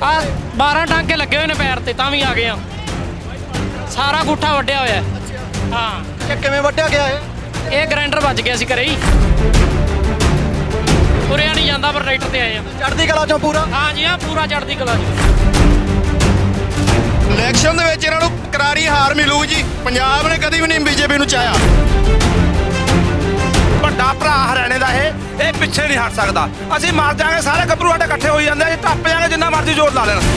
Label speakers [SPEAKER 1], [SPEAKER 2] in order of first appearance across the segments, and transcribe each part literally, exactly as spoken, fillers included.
[SPEAKER 1] ਆ ਬਾਰਾਂ ਟਾਂਕੇ ਲੱਗੇ ਹੋਏ ਨੇ ਪੈਰ ਤੇ ਤਾਂ ਵੀ ਆ ਗਏ ਆ। ਸਾਰਾ ਗੁੱਠਾ ਵੱਢਿਆ ਹੋਇਆ ਹਾਂ।
[SPEAKER 2] ਇਹ ਕਿਵੇਂ ਵੱਢਿਆ ਗਿਆ ਇਹ?
[SPEAKER 1] ਇਹ ਗ੍ਰਾਈਂਡਰ ਵੱਜ ਗਿਆ ਸੀ ਘਰੇ ਹੀ, ਤੁਰਿਆ ਨਹੀਂ ਜਾਂਦਾ ਪਰ ਟਰੈਕਟਰ ਤੇ ਆਏ ਆ।
[SPEAKER 2] ਚੜ੍ਹਦੀ ਕਲਾ ਚੋਂ ਪੂਰਾ?
[SPEAKER 1] ਹਾਂ ਜੀ ਹਾਂ, ਪੂਰਾ ਚੜ੍ਹਦੀ ਕਲਾ ਜੀ।
[SPEAKER 3] ਇਲੈਕਸ਼ਨ ਦੇ ਵਿੱਚ ਇਹਨਾਂ ਨੂੰ ਕਰਾਰੀ ਹਾਰ ਮਿਲੂ ਜੀ। ਪੰਜਾਬ ਨੇ ਕਦੀ ਵੀ ਨਹੀਂ ਬੀਜੇਪੀ ਨੂੰ ਚਾਹਿਆ।
[SPEAKER 4] ਵੱਡਾ ਭਰਾ ਹਰਿਆਣੇ ਦਾ ਇਹ ਇਹ ਪਿੱਛੇ ਨਹੀਂ ਹਟ ਸਕਦਾ। ਅਸੀਂ ਮਰ ਜਾਾਂਗੇ, ਸਾਰੇ ਗੱਭਰੂ ਸਾਡੇ ਇਕੱਠੇ ਹੋਈ ਜਾਂਦੇ, ਅਸੀਂ ਟੱਪ ਜਾਾਂਗੇ ਜਿੰਨਾ ਮਰਜ਼ੀ ਜ਼ੋਰ ਲਾ ਲੈਣ।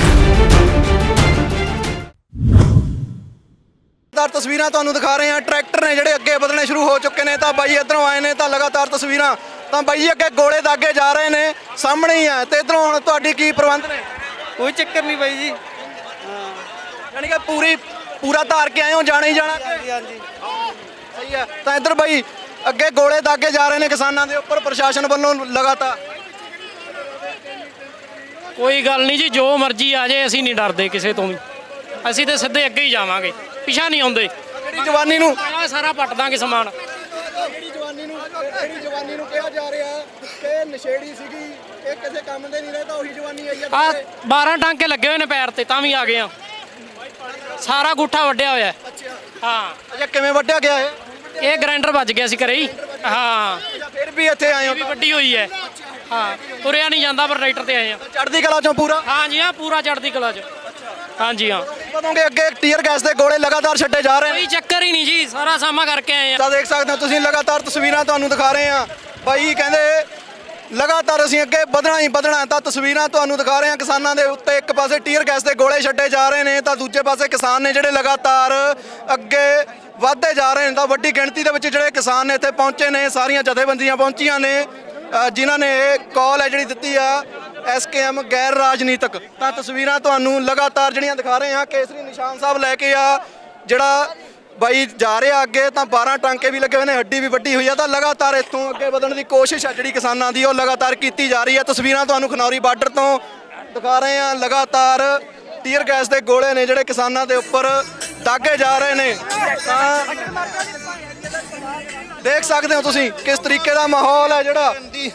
[SPEAKER 2] ਲਗਾਤਾਰ ਤਸਵੀਰਾਂ ਤੁਹਾਨੂੰ ਦਿਖਾ ਰਹੇ ਹਾਂ, ਟਰੈਕਟਰ ਨੇ ਜਿਹੜੇ ਅੱਗੇ ਵਧਣੇ ਸ਼ੁਰੂ ਹੋ ਚੁੱਕੇ ਨੇ। ਤਾਂ ਬਾਈ ਇੱਧਰੋਂ ਆਏ ਨੇ ਤਾਂ ਲਗਾਤਾਰ ਤਸਵੀਰਾਂ, ਤਾਂ ਬਾਈ ਜੀ ਅੱਗੇ ਗੋਲੇ ਦਾਗੇ ਜਾ ਰਹੇ ਨੇ, ਸਾਹਮਣੇ ਹੀ ਆ। ਤੇ ਇੱਧਰੋਂ ਹੁਣ ਤੁਹਾਡੀ ਕੀ ਪ੍ਰਬੰਧ ਨੇ?
[SPEAKER 5] ਕੋਈ ਚੱਕਰ ਨਹੀਂ ਬਾਈ ਜੀ।
[SPEAKER 2] ਯਾਨੀ ਕਿ ਪੂਰੀ ਪੂਰਾ ਧਾਰ ਕੇ ਆਏ ਹੋ, ਜਾਣਾ ਹੀ ਜਾਣਾ?
[SPEAKER 5] ਹਾਂਜੀ ਹਾਂਜੀ
[SPEAKER 2] ਸਹੀ ਆ। ਤਾਂ ਇੱਧਰ ਬਾਈ ਅੱਗੇ ਗੋਲੇ ਦਾਗੇ ਜਾ ਰਹੇ ਨੇ ਕਿਸਾਨਾਂ ਦੇ ਉੱਪਰ ਪ੍ਰਸ਼ਾਸਨ ਵੱਲੋਂ ਲਗਾਤਾਰ।
[SPEAKER 1] ਕੋਈ ਗੱਲ ਨਹੀਂ ਜੀ, ਜੋ ਮਰਜ਼ੀ ਆ ਜਾਏ, ਅਸੀਂ ਨਹੀਂ ਡਰਦੇ ਕਿਸੇ ਤੋਂ ਵੀ। ਅਸੀਂ ਤੇ ਸਿੱਧੇ ਅੱਗੇ ਹੀ ਜਾਵਾਂਗੇ, ਪਿਛਾ ਨਹੀਂ ਆਉਂਦੇ।
[SPEAKER 2] ਜਿਹੜੀ ਜਵਾਨੀ ਨੂੰ
[SPEAKER 1] ਆਹ ਸਾਰਾ ਪੱਟ ਦਾਂਗੇ ਸਮਾਨ।
[SPEAKER 2] ਜਿਹੜੀ ਜਵਾਨੀ ਨੂੰ ਜਿਹੜੀ ਜਵਾਨੀ ਨੂੰ ਕਿਹਾ ਜਾ ਰਿਹਾ ਕਿ ਨਸ਼ੇੜੀ ਸੀਗੀ, ਇਹ ਕਿਸੇ ਕੰਮ ਦੇ ਨਹੀਂ ਰਹੇ, ਤਾਂ ਉਹੀ ਜਵਾਨੀ ਆਈ
[SPEAKER 1] ਆ ਬਾਰਾਂ ਟਾਂਕੇ ਲੱਗੇ ਹੋਏ ਨੇ ਪੈਰ ਤੇ ਤਾਂ ਵੀ ਆ ਗਏ ਆ। ਸਾਰਾ ਗੁੱਠਾ ਵੱਢਿਆ ਹੋਇਆ ਹਾਂ।
[SPEAKER 2] ਅੱਛਾ, ਕਿਵੇਂ ਵੱਢਿਆ ਗਿਆ ਇਹ?
[SPEAKER 1] ਇਹ ਗ੍ਰਾਈਂਡਰ ਵੱਜ ਗਿਆ ਸੀ ਘਰੇ ਹੀ ਹਾਂ।
[SPEAKER 2] ਫਿਰ ਵੀ ਇੱਥੇ ਆਏ ਹੋ?
[SPEAKER 1] ਵੀ ਵੱਡੀ ਹੋਈ ਹੈ ਹਾਂ, ਤੁਰਿਆ ਨਹੀਂ ਜਾਂਦਾ ਪਰ ਟਰੈਕਟਰ ਤੇ ਆਏ ਆ।
[SPEAKER 2] ਚੜ੍ਹਦੀ ਕਲਾ ਚੋਂ ਪੂਰਾ?
[SPEAKER 1] ਹਾਂ ਜੀ ਹਾਂ, ਪੂਰਾ ਚੜ੍ਹਦੀ ਕਲਾ ਚ। ਹਾਂਜੀ ਹਾਂ।
[SPEAKER 2] ਕਦੋਂਗੇ ਅੱਗੇ ਟੀਅਰ ਗੈਸ ਦੇ ਗੋਲੇ ਲਗਾਤਾਰ ਛੱਡੇ ਜਾ ਰਹੇ ਨੇ?
[SPEAKER 1] ਕੋਈ ਚੱਕਰ ਹੀ ਨਹੀਂ ਜੀ, ਸਾਰਾ ਸਾਮਾ ਕਰਕੇ ਆਏ ਆ।
[SPEAKER 2] ਤਾਂ ਦੇਖ ਸਕਦੇ ਹੋ ਤੁਸੀਂ, ਲਗਾਤਾਰ ਤਸਵੀਰਾਂ ਤੁਹਾਨੂੰ ਦਿਖਾ ਰਹੇ ਹਾਂ। ਬਾਈ ਕਹਿੰਦੇ ਲਗਾਤਾਰ ਅਸੀਂ ਅੱਗੇ ਵਧਣਾ ਹੀ ਵਧਣਾ। ਤਾਂ ਤਸਵੀਰਾਂ ਤੁਹਾਨੂੰ ਦਿਖਾ ਰਹੇ ਹਾਂ ਕਿਸਾਨਾਂ ਦੇ ਉੱਤੇ, ਇੱਕ ਪਾਸੇ ਟੀਅਰ ਗੈਸ ਦੇ ਗੋਲੇ ਛੱਡੇ ਜਾ ਰਹੇ ਨੇ, ਤਾਂ ਦੂਜੇ ਪਾਸੇ ਕਿਸਾਨ ਨੇ ਜਿਹੜੇ ਲਗਾਤਾਰ ਅੱਗੇ ਵਧਦੇ ਜਾ ਰਹੇ ਨੇ। ਤਾਂ ਵੱਡੀ ਗਿਣਤੀ ਦੇ ਵਿੱਚ ਜਿਹੜੇ ਕਿਸਾਨ ਨੇ ਇੱਥੇ ਪਹੁੰਚੇ ਨੇ, ਸਾਰੀਆਂ ਜਥੇਬੰਦੀਆਂ ਪਹੁੰਚੀਆਂ ਨੇ, ਜਿਨ੍ਹਾਂ ਨੇ ਇਹ ਕਾਲ ਹੈ ਜਿਹੜੀ ਦਿੱਤੀ ਆ ਐਸ ਕੇ ਐਮ ਗੈਰ ਰਾਜਨੀਤਿਕ। ਤਾਂ ਤਸਵੀਰਾਂ ਤੁਹਾਨੂੰ ਲਗਾਤਾਰ ਜਿਹੜੀਆਂ ਦਿਖਾ ਰਹੇ ਹਾਂ, ਕੇਸਰੀ ਨਿਸ਼ਾਨ ਸਾਹਿਬ ਲੈ ਕੇ ਆ ਜਿਹੜਾ ਬਾਈ ਜਾ ਰਿਹਾ ਅੱਗੇ। ਤਾਂ ਬਾਰਾਂ ਟਾਂਕੇ ਵੀ ਲੱਗੇ ਹੋਏ ਨੇ, ਹੱਡੀ ਵੀ ਵੱਡੀ ਹੋਈ ਆ। ਤਾਂ ਲਗਾਤਾਰ ਇੱਥੋਂ ਅੱਗੇ ਵਧਣ ਦੀ ਕੋਸ਼ਿਸ਼ ਆ ਜਿਹੜੀ ਕਿਸਾਨਾਂ ਦੀ, ਉਹ ਲਗਾਤਾਰ ਕੀਤੀ ਜਾ ਰਹੀ ਹੈ। ਤਸਵੀਰਾਂ ਤੁਹਾਨੂੰ ਖਨੌਰੀ ਬਾਰਡਰ ਤੋਂ ਦਿਖਾ ਰਹੇ ਹਾਂ। ਲਗਾਤਾਰ ਟੀਅਰ ਗੈਸ ਦੇ ਗੋਲੇ ਨੇ ਜਿਹੜੇ ਕਿਸਾਨਾਂ ਦੇ ਉੱਪਰ ਦਾਗੇ ਜਾ ਰਹੇ ਨੇ। ਤਾਂ ਦੇਖ ਸਕਦੇ ਹੋ ਤੁਸੀਂ ਕਿਸ ਤਰੀਕੇ ਦਾ ਮਾਹੌਲ ਹੈ ਜਿਹੜਾ।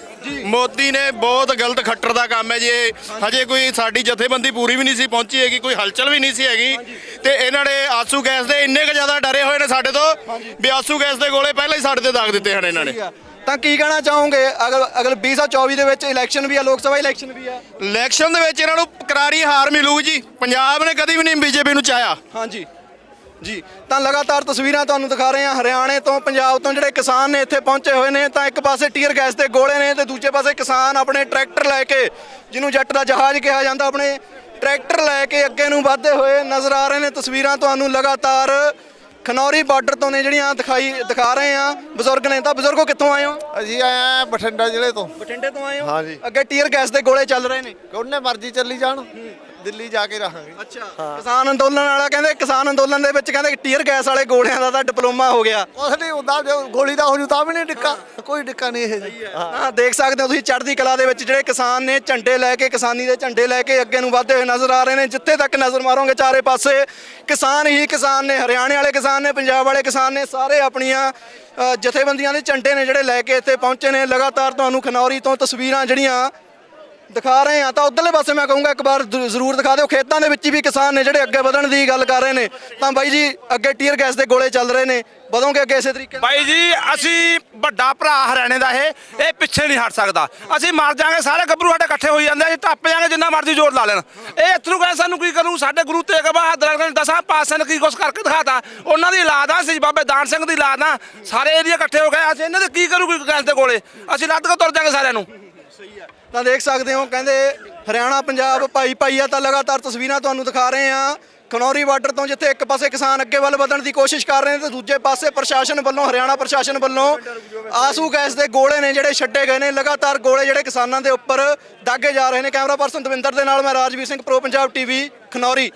[SPEAKER 3] ਮੋਦੀ ਨੇ ਬਹੁਤ ਗਲਤ ਖੱਟਰ ਦਾ ਕੰਮ ਹੈ ਜੀ ਇਹ। ਹਜੇ ਕੋਈ ਸਾਡੀ ਜਥੇਬੰਦੀ ਪੂਰੀ ਵੀ ਨਹੀਂ ਸੀ ਪਹੁੰਚੀ ਹੈਗੀ, ਕੋਈ ਹਲਚਲ ਵੀ ਨਹੀਂ ਸੀ ਹੈਗੀ, ਤੇ ਇਹਨਾਂ ਨੇ ਆਸੂ ਗੈਸ ਦੇ ਇੰਨੇ ਕੁ ਜ਼ਿਆਦਾ ਡਰੇ ਹੋਏ ਨੇ ਸਾਡੇ ਤੋਂ ਵੀ ਆਸੂ ਗੈਸ ਦੇ ਗੋਲੇ ਪਹਿਲਾਂ ਹੀ ਸਾਡੇ ਤੇ ਦਾਗ ਦਿੱਤੇ ਹਨ ਇਹਨਾਂ ਨੇ।
[SPEAKER 2] ਤਾਂ ਕੀ ਕਹਿਣਾ ਚਾਹੋਗੇ? ਅਗਰ ਅਗਰ ਵੀਹ ਸੌ ਚੌਵੀ ਦੇ ਵਿੱਚ ਇਲੈਕਸ਼ਨ ਵੀ ਆ, ਲੋਕ ਸਭਾ ਇਲੈਕਸ਼ਨ ਵੀ ਆ,
[SPEAKER 3] ਇਲੈਕਸ਼ਨ ਦੇ ਵਿੱਚ ਇਹਨਾਂ ਨੂੰ ਕਰਾਰੀ ਹਾਰ ਮਿਲੂ ਜੀ। ਪੰਜਾਬ ਨੇ ਕਦੀ ਵੀ ਨਹੀਂ ਬੀਜੇਪੀ ਨੂੰ ਚਾਹਿਆ।
[SPEAKER 2] ਹਾਂਜੀ ਜੀ। ਤਾਂ ਲਗਾਤਾਰ ਤਸਵੀਰਾਂ ਤੁਹਾਨੂੰ ਦਿਖਾ ਰਹੇ ਹਾਂ ਹਰਿਆਣੇ ਤੋਂ, ਪੰਜਾਬ ਤੋਂ ਜਿਹੜੇ ਕਿਸਾਨ ਨੇ ਇੱਥੇ ਪਹੁੰਚੇ ਹੋਏ ਨੇ। ਤਾਂ ਇੱਕ ਪਾਸੇ ਟੀਅਰ ਗੈਸ ਦੇ ਗੋਲੇ ਨੇ ਤੇ ਦੂਜੇ ਪਾਸੇ ਕਿਸਾਨ ਆਪਣੇ ਟਰੈਕਟਰ ਲੈ ਕੇ, ਜਿਹਨੂੰ ਜੱਟ ਦਾ ਜਹਾਜ਼ ਕਿਹਾ ਜਾਂਦਾ, ਆਪਣੇ ਟਰੈਕਟਰ ਲੈ ਕੇ ਅੱਗੇ ਨੂੰ ਵਧਦੇ ਹੋਏ ਨਜ਼ਰ ਆ ਰਹੇ ਨੇ। ਤਸਵੀਰਾਂ ਤੁਹਾਨੂੰ ਲਗਾਤਾਰ ਖਨੌਰੀ ਬਾਰਡਰ ਤੋਂ ਨੇ ਜਿਹੜੀਆਂ ਦਿਖਾਈ ਦਿਖਾ ਰਹੇ ਆ। ਬਜ਼ੁਰਗ ਨੇ, ਤਾਂ ਬਜ਼ੁਰਗੋ ਕਿੱਥੋਂ ਆਏ ਹੋ?
[SPEAKER 6] ਅਸੀਂ ਆਏ ਆ ਬਠਿੰਡਾ ਜ਼ਿਲ੍ਹੇ ਤੋਂ।
[SPEAKER 2] ਬਠਿੰਡੇ ਤੋਂ ਆਏ ਹੋ?
[SPEAKER 6] ਹਾਂਜੀ।
[SPEAKER 2] ਅੱਗੇ ਟੀਅਰ ਗੈਸ ਦੇ ਗੋਲੇ ਚੱਲ ਰਹੇ ਨੇ,
[SPEAKER 6] ਉਹਨੇ ਮਰਜ਼ੀ ਚੱਲੀ ਜਾਣ, ਦਿੱਲੀ ਜਾ ਕੇ ਰਹਾਂਗੇ।
[SPEAKER 2] ਅੱਛਾ। ਕਿਸਾਨ ਅੰਦੋਲਨ ਵਾਲਾ ਕਹਿੰਦੇ, ਕਿਸਾਨ ਅੰਦੋਲਨ ਦੇ ਵਿੱਚ ਕਹਿੰਦੇ ਟੀਅਰ ਗੈਸ ਵਾਲੇ ਗੋਲਿਆਂ ਦਾ ਤਾਂ ਡਿਪਲੋਮਾ ਹੋ ਗਿਆ।
[SPEAKER 6] ਕੁਛ ਨਹੀਂ ਹੁੰਦਾ, ਜੋ ਗੋਲੀ ਦਾ ਹੋ ਜੂ ਤਾਂ ਵੀ ਨਹੀਂ ਡਿੱਕਾ, ਕੋਈ ਡਿੱਕਾ ਨਹੀਂ ਇਹ ਜੀ।
[SPEAKER 2] ਹਾਂ, ਦੇਖ ਸਕਦੇ ਹੋ ਤੁਸੀਂ ਚੜ੍ਹਦੀ ਕਲਾ ਦੇ ਵਿੱਚ ਜਿਹੜੇ ਕਿਸਾਨ ਨੇ ਝੰਡੇ ਲੈ ਕੇ, ਕਿਸਾਨੀ ਦੇ ਝੰਡੇ ਲੈ ਕੇ ਅੱਗੇ ਨੂੰ ਵਧਦੇ ਹੋਏ ਨਜ਼ਰ ਆ ਰਹੇ ਨੇ। ਜਿੱਥੇ ਤੱਕ ਨਜ਼ਰ ਮਾਰੋਗੇ ਚਾਰੇ ਪਾਸੇ ਕਿਸਾਨ ਹੀ ਕਿਸਾਨ ਨੇ, ਹਰਿਆਣੇ ਵਾਲੇ ਕਿਸਾਨ ਨੇ, ਪੰਜਾਬ ਵਾਲੇ ਕਿਸਾਨ ਨੇ, ਸਾਰੇ ਆਪਣੀਆਂ ਜਥੇਬੰਦੀਆਂ ਦੇ ਝੰਡੇ ਨੇ ਜਿਹੜੇ ਲੈ ਕੇ ਇੱਥੇ ਪਹੁੰਚੇ ਨੇ। ਲਗਾਤਾਰ ਤੁਹਾਨੂੰ ਖਨੌਰੀ ਤੋਂ ਤਸਵੀਰਾਂ ਜਿਹੜੀਆਂ ਦਿਖਾ ਰਹੇ ਹਾਂ। ਤਾਂ ਉਧਰਲੇ ਪਾਸੇ ਮੈਂ ਕਹੂੰਗਾ ਇੱਕ ਵਾਰ ਜ਼ਰੂਰ ਦਿਖਾ ਦਿਓ, ਖੇਤਾਂ ਦੇ ਵਿੱਚ ਵੀ ਕਿਸਾਨ ਨੇ ਜਿਹੜੇ ਅੱਗੇ ਵਧਣ ਦੀ ਗੱਲ ਕਰ ਰਹੇ ਨੇ। ਤਾਂ ਬਾਈ ਜੀ ਅੱਗੇ ਟੀਅਰ ਗੈਸ ਦੇ ਗੋਲੇ ਚੱਲ ਰਹੇ ਨੇ, ਵਧੋਗੇ ਅੱਗੇ ਇਸੇ ਤਰੀਕੇ?
[SPEAKER 4] ਬਾਈ ਜੀ ਅਸੀਂ ਵੱਡਾ ਭਰਾ ਹਰਿਆਣੇ ਦਾ ਇਹ ਇਹ ਪਿੱਛੇ ਨਹੀਂ ਹਟ ਸਕਦਾ। ਅਸੀਂ ਮਰ ਜਾਾਂਗੇ, ਸਾਰੇ ਗੱਭਰੂ ਸਾਡੇ ਇਕੱਠੇ ਹੋਈ ਜਾਂਦੇ, ਅਸੀਂ ਟੱਪ ਜਾਾਂਗੇ ਜਿੰਨਾ ਮਰਜ਼ੀ ਜ਼ੋਰ ਲਾ ਲੈਣ। ਇਹ ਇੱਥੋਂ ਕਹਿੰਦੇ ਸਾਨੂੰ ਕੀ ਕਰੂ? ਸਾਡੇ ਗੁਰੂ ਤੇਗ ਬਹਾਦਰ ਨੇ ਦਸਾਂ ਪਾਤਸ਼ਾਹਾਂ ਨੇ ਕੀ ਕੁਛ ਕਰਕੇ ਦਿਖਾਤਾ। ਉਹਨਾਂ ਦੀ ਔਲਾਦ ਆ, ਅਸੀਂ ਬਾਬੇ ਦਾਨ ਸਿੰਘ ਦੀ ਔਲਾਦ ਆ, ਸਾਰੇ ਏਰੀਆ ਇਕੱਠੇ ਹੋ ਗਏ। ਅਸੀਂ ਇਹਨਾਂ ਦੇ ਕੀ ਕਰੂ? ਕੋਈ ਗੈਸ ਦੇ ਗੋਲੇ ਅਸੀਂ ਲੱਦ ਕੇ ਤੁਰ ਜਾਾਂਗੇ ਸਾਰਿਆਂ ਨੂੰ।
[SPEAKER 2] ਤਾਂ ਦੇਖ ਸਕਦੇ ਹੋ ਕਹਿੰਦੇ ਹਰਿਆਣਾ ਪੰਜਾਬ ਭਾਈ ਭਾਈ ਆ। ਤਾਂ ਲਗਾਤਾਰ ਤਸਵੀਰਾਂ ਤੁਹਾਨੂੰ ਦਿਖਾ ਰਹੇ ਹਾਂ ਖਨੌਰੀ ਬਾਰਡਰ ਤੋਂ, ਜਿੱਥੇ ਇੱਕ ਪਾਸੇ ਕਿਸਾਨ ਅੱਗੇ ਵੱਲ ਵਧਣ ਦੀ ਕੋਸ਼ਿਸ਼ ਕਰ ਰਹੇ ਨੇ ਤੇ ਦੂਜੇ ਪਾਸੇ ਪ੍ਰਸ਼ਾਸਨ ਵੱਲੋਂ, ਹਰਿਆਣਾ ਪ੍ਰਸ਼ਾਸਨ ਵੱਲੋਂ ਆਸੂ ਗੈਸ ਦੇ ਗੋਲੇ ਨੇ ਜਿਹੜੇ ਛੱਡੇ ਗਏ ਨੇ। ਲਗਾਤਾਰ ਗੋਲੇ ਜਿਹੜੇ ਕਿਸਾਨਾਂ ਦੇ ਉੱਪਰ ਦਾਗੇ ਜਾ ਰਹੇ ਨੇ। ਕੈਮਰਾ ਪਰਸਨ ਦਵਿੰਦਰ ਦੇ ਨਾਲ ਮੈਂ ਰਾਜਵੀਰ ਸਿੰਘ, ਪ੍ਰੋ ਪੰਜਾਬ ਟੀਵੀ, ਖਨੌਰੀ।